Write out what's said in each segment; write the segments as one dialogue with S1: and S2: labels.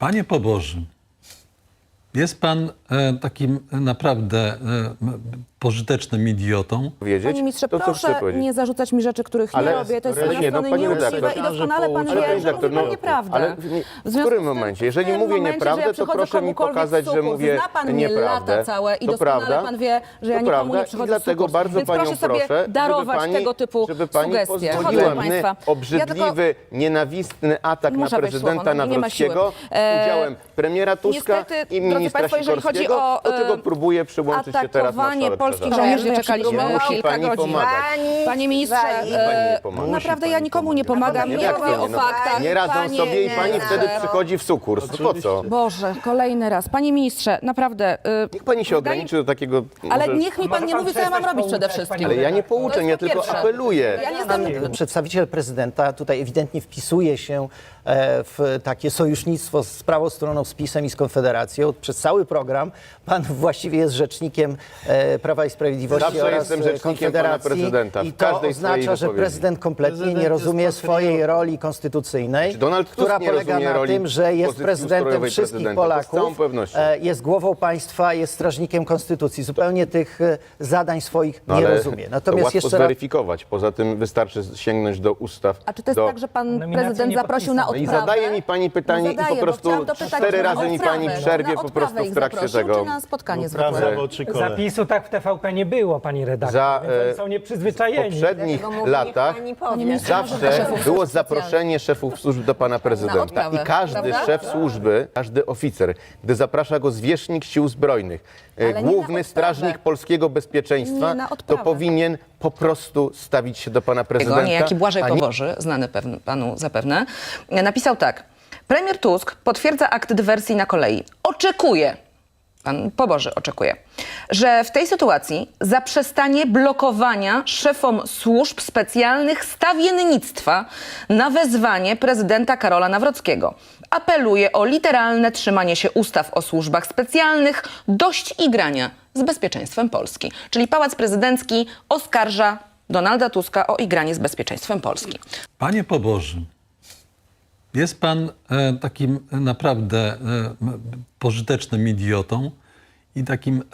S1: Panie pobożny, jest pan takim naprawdę pożytecznym idiotą.
S2: Panie ministrze,
S3: to, co
S2: proszę
S3: chcę powiedzieć.
S2: nie zarzucać mi rzeczy, których
S3: Ale
S2: nie robię. To jest
S3: ale
S2: z
S3: nie, no,
S2: strony
S3: pani
S2: nieuczciwe
S3: redaktor,
S2: i doskonale pan
S3: ale
S2: wie,
S3: pani
S2: że mówi
S3: redaktor,
S2: pan
S3: no,
S2: nieprawdę.
S3: ale w którym momencie? Jeżeli mówię nieprawdę, to proszę mi pokazać, że mówię
S2: Zna pan mnie
S3: nieprawdę.
S2: lata całe i
S3: To
S2: doskonale
S3: prawda.
S2: pan wie, że ja
S3: To
S2: nikomu
S3: prawda.
S2: nie
S3: I
S2: przychodzę
S3: dlatego
S2: z
S3: bardzo
S2: Więc
S3: panią
S2: proszę sobie
S3: proszę,
S2: darować tego typu
S3: żeby pani
S2: sugestie.
S3: pozwoliła
S2: Proszę
S3: mnie
S2: państwa.
S3: obrzydliwy, nienawistny atak
S2: Muszę
S3: na
S2: wejść w słowo,
S3: prezydenta
S2: no, nie ma siły.
S3: Nawrockiego z udziałem premiera Tuska
S2: Niestety,
S3: i
S2: drodzy
S3: ministra
S2: państwo, jeżeli chodzi
S3: Sikorskiego,
S2: o,
S3: do czego próbuje przyłączyć się teraz
S2: atakowanie
S3: marszałek
S2: polskich
S3: Czarzasty.
S2: żołnierzy,
S3: Nie
S2: czekaliśmy
S3: musi
S2: kilka
S3: pani
S2: godzin.
S3: pomagać.
S2: Panie ministrze,
S3: Pani nie pomaga.
S2: naprawdę
S3: Musi
S2: ja
S3: pani
S2: nikomu nie pomagam,
S3: Nie,
S2: nie
S3: jak
S2: mówię
S3: to
S2: o
S3: nie? No,
S2: faktach.
S3: nie radzą
S2: Panie
S3: sobie i pani
S2: ministrze.
S3: wtedy przychodzi w sukurs. Po co?
S2: Boże, kolejny raz. Panie ministrze, naprawdę...
S3: Niech pani się ograniczy do takiego...
S2: Ale
S3: może-
S2: niech mi pan nie mówi, co ja mam robić przede wszystkim.
S3: Ale ja nie pouczę,
S2: To
S3: ja
S2: jest po
S3: tylko
S2: pierwsze.
S3: apeluję.
S2: Ja nie jestem...
S4: Przedstawiciel prezydenta tutaj ewidentnie wpisuje się w takie sojusznictwo z prawą stroną, z PiS-em i z Konfederacją. Przez cały program pan właściwie jest rzecznikiem Prawa i Sprawiedliwości
S3: Zawsze
S4: oraz
S3: jestem rzecznikiem
S4: Konfederacji.
S3: pana prezydenta w
S4: I to
S3: każdej swojej
S4: oznacza, że
S3: wypowiedzi.
S4: prezydent kompletnie
S5: Prezydent
S4: nie
S5: jest
S4: rozumie swojej
S5: patriotą.
S4: roli konstytucyjnej,
S3: Czy Donald Tusk
S4: która
S3: nie
S4: polega
S3: rozumie
S4: na
S3: roli
S4: tym, że jest
S3: pozycji
S4: prezydentem
S3: ustrojowej
S4: wszystkich
S3: prezydenta? To z
S4: Polaków,
S3: całą pewnością.
S4: jest głową państwa, jest strażnikiem konstytucji. Zupełnie tych zadań swoich
S3: No
S4: nie
S3: ale
S4: rozumie.
S3: to
S4: Natomiast
S3: łatwo
S4: jeszcze raz
S3: zweryfikować. Poza tym wystarczy sięgnąć do ustaw.
S2: A czy to jest tak, że pan
S5: Nominacji
S2: prezydent
S5: nie
S2: zaprosił na
S3: No i
S2: odprawę?
S3: zadaje mi pani pytanie
S2: No
S3: i po
S2: zadaję, bo
S3: prostu
S2: chciałam dopytać,
S3: 4
S2: czy na
S3: razy mi pani
S2: odprawę,
S3: przerwie
S2: na
S3: po
S2: odprawę
S3: prostu w
S2: ich
S3: trakcie
S2: zaprosił,
S3: tego.
S2: czy na spotkanie
S5: Prawda,
S2: zwykłe?
S5: w oczy kole.
S6: Zapisu tak w TVP nie było, pani redaktor,
S3: Za,
S6: więc oni są
S3: W
S6: nieprzyzwyczajeni.
S3: poprzednich latach
S2: Panie ministrze, może do
S3: zawsze
S2: szefów
S3: było
S2: służb
S3: zaproszenie szefów służb do pana prezydenta.
S2: odprawę,
S3: I każdy
S2: prawda?
S3: szef służby, każdy oficer, gdy zaprasza go zwierzchnik sił zbrojnych,
S2: Ale nie na
S3: główny
S2: odprawę.
S3: strażnik polskiego bezpieczeństwa,
S2: Nie na
S3: to
S2: odprawę.
S3: powinien po prostu stawić się do pana prezydenta.
S7: Niejaki Błażej
S3: a nie-
S7: Poboży, znany panu zapewne, napisał tak. Premier Tusk potwierdza akt dywersji na kolei. Oczekuje, pan Poboży oczekuje, że w tej sytuacji zaprzestanie blokowania szefom służb specjalnych stawiennictwa na wezwanie prezydenta Karola Nawrockiego. Apeluje o literalne trzymanie się ustaw o służbach specjalnych, dość igrania z bezpieczeństwem Polski. Czyli Pałac Prezydencki oskarża Donalda Tuska o igranie z bezpieczeństwem Polski.
S1: Panie pobożny, jest pan takim naprawdę pożytecznym idiotą i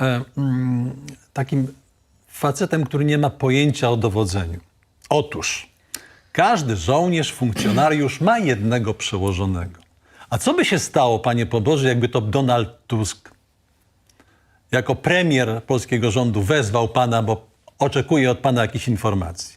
S1: takim facetem, który nie ma pojęcia o dowodzeniu. Otóż każdy żołnierz, funkcjonariusz ma jednego przełożonego. A co by się stało, panie pobożny, jakby to Donald Tusk jako premier polskiego rządu wezwał pana, bo oczekuje od pana jakichś informacji?